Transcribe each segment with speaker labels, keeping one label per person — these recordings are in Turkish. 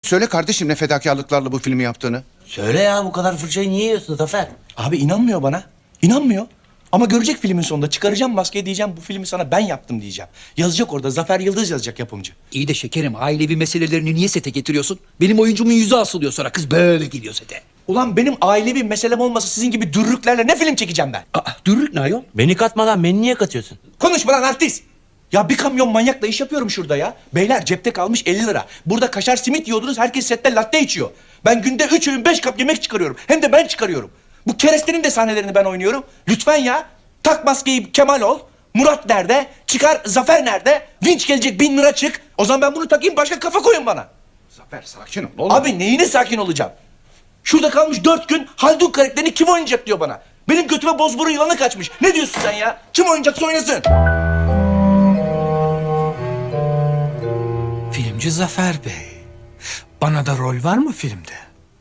Speaker 1: Söyle kardeşim ne fedakarlıklarla bu filmi yaptığını.
Speaker 2: Söyle ya, bu kadar fırçayı niye yiyorsun Zafer?
Speaker 3: Abi inanmıyor bana. İnanmıyor. Ama görecek filmin sonunda. Çıkaracağım maskeyi, diyeceğim bu filmi sana ben yaptım diyeceğim. Yazacak orada. Zafer Yıldız yazacak yapımcı.
Speaker 4: İyi de şekerim, ailevi meselelerini niye sete getiriyorsun? Benim oyuncumun yüzü asılıyor, sonra kız böyle geliyor sete.
Speaker 3: Ulan benim ailevi meselem olmasa sizin gibi dürrüklerle ne film çekeceğim ben?
Speaker 4: Aa, dürrük ne ayol?
Speaker 2: Beni katmadan beni niye katıyorsun?
Speaker 3: Konuşma lan artist. Ya bir kamyon manyakla iş yapıyorum şurada ya. Beyler cepte kalmış 50 lira. Burada kaşar simit yiyordunuz, herkes sette latte içiyor. Ben günde 3 öğün 5 kap yemek çıkarıyorum. Hem de ben çıkarıyorum. Bu kerestenin de sahnelerini ben oynuyorum. Lütfen ya. Tak maskeyi Kemal ol. Murat nerede? Çıkar Zafer nerede? Vinç gelecek 1000 lira çık. O zaman ben bunu takayım, başka kafa koyun bana.
Speaker 1: Zafer sakin ol oğlum.
Speaker 3: Abi neyine sakin olacağım? Şurada kalmış 4 gün Haldun karakterini kim oynayacak diyor bana. Benim götüme bozburun yılanı kaçmış. Ne diyorsun sen ya? Kim oynayacaksa oynasın.
Speaker 5: Filmci Zafer Bey. Bana da rol var mı filmde?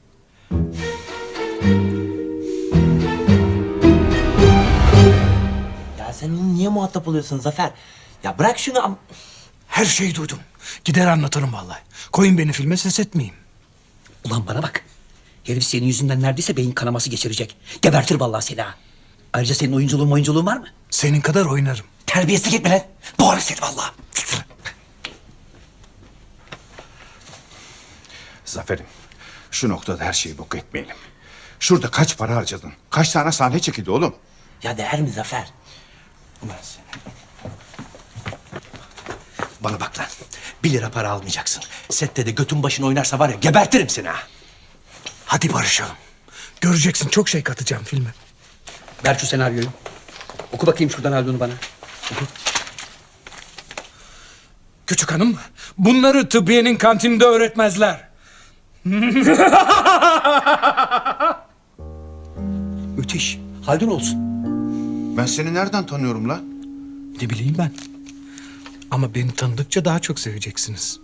Speaker 2: Ya sen onu niye muhatap oluyorsun Zafer? Ya bırak şunu
Speaker 5: Her şeyi duydum. Gider anlatırım vallahi. Koyun beni filme, ses etmeyeyim.
Speaker 4: Ulan bana bak. Herif senin yüzünden neredeyse beyin kanaması geçirecek. Gebertir vallahi seni ha. Ayrıca senin oyunculuğun var mı?
Speaker 5: Senin kadar oynarım.
Speaker 4: Terbiyesizlik etme lan. Doğru seni vallahi.
Speaker 1: Zafer'im şu noktada her şeyi bok etmeyelim. Şurada kaç para harcadın? Kaç tane sahne çekildi oğlum?
Speaker 2: Ya değer mi Zafer?
Speaker 3: Ulan seni. Bana bak lan. 1 lira para almayacaksın. Sette de götün başına oynarsa var ya gebertirim seni ha.
Speaker 5: Hadi barışalım. Göreceksin, çok şey katacağım filme.
Speaker 4: Ver şu senaryoyu. Oku bakayım şuradan Haldun'u bana.
Speaker 5: Küçük hanım, bunları tıbbiyenin kantininde öğretmezler.
Speaker 4: Müthiş. Haldun olsun.
Speaker 1: Ben seni nereden tanıyorum lan?
Speaker 5: Ne bileyim ben. Ama beni tanıdıkça daha çok seveceksiniz.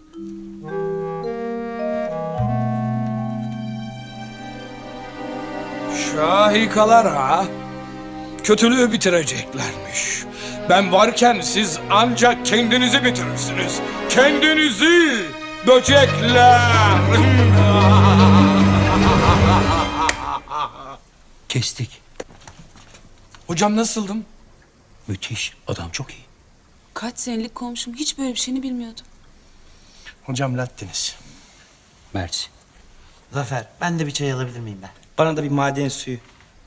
Speaker 5: Şahikalar ha. Kötülüğü bitireceklermiş. Ben varken siz ancak kendinizi bitirirsiniz. Kendinizi böcekler.
Speaker 4: Kestik.
Speaker 5: Hocam nasıldım?
Speaker 4: Müthiş. Adam çok iyi.
Speaker 6: Kaç senelik komşum, hiç böyle bir şeyini bilmiyordum.
Speaker 3: Hocam lattiniz.
Speaker 4: Mersi.
Speaker 2: Zafer, ben de bir çay alabilir miyim ben?
Speaker 7: Bana da bir maden suyu.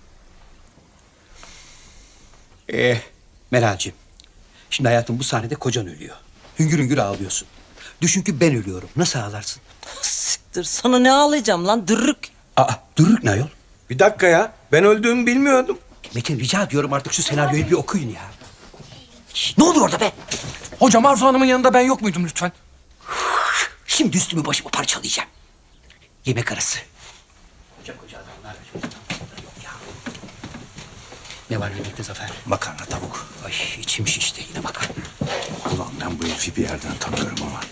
Speaker 4: Meral'cim. Şimdi hayatım bu sahnede kocan ölüyor. Hüngür hüngür ağlıyorsun. Düşün ki ben ölüyorum. Nasıl ağlarsın?
Speaker 7: Siktir, sana ne ağlayacağım lan dırrık.
Speaker 4: Aa, dürük ne ayol?
Speaker 7: Bir dakika ya, ben öldüğümü bilmiyordum.
Speaker 4: Metin rica ediyorum artık şu senaryoyu bir okuyun ya. Şişt, ne oluyor orada be?
Speaker 5: Hocam Arzu Hanım'ın yanında ben yok muydum lütfen?
Speaker 4: Şimdi üstümü başımı parçalayacağım. Yemek arası. Koca adamlar. Yok ya. Ne var yemekte Zafer?
Speaker 3: Makarna tavuk.
Speaker 4: Ay içim şişti yine makarna.
Speaker 1: Ulan ben bu herifi bir yerden tanıyorum ama.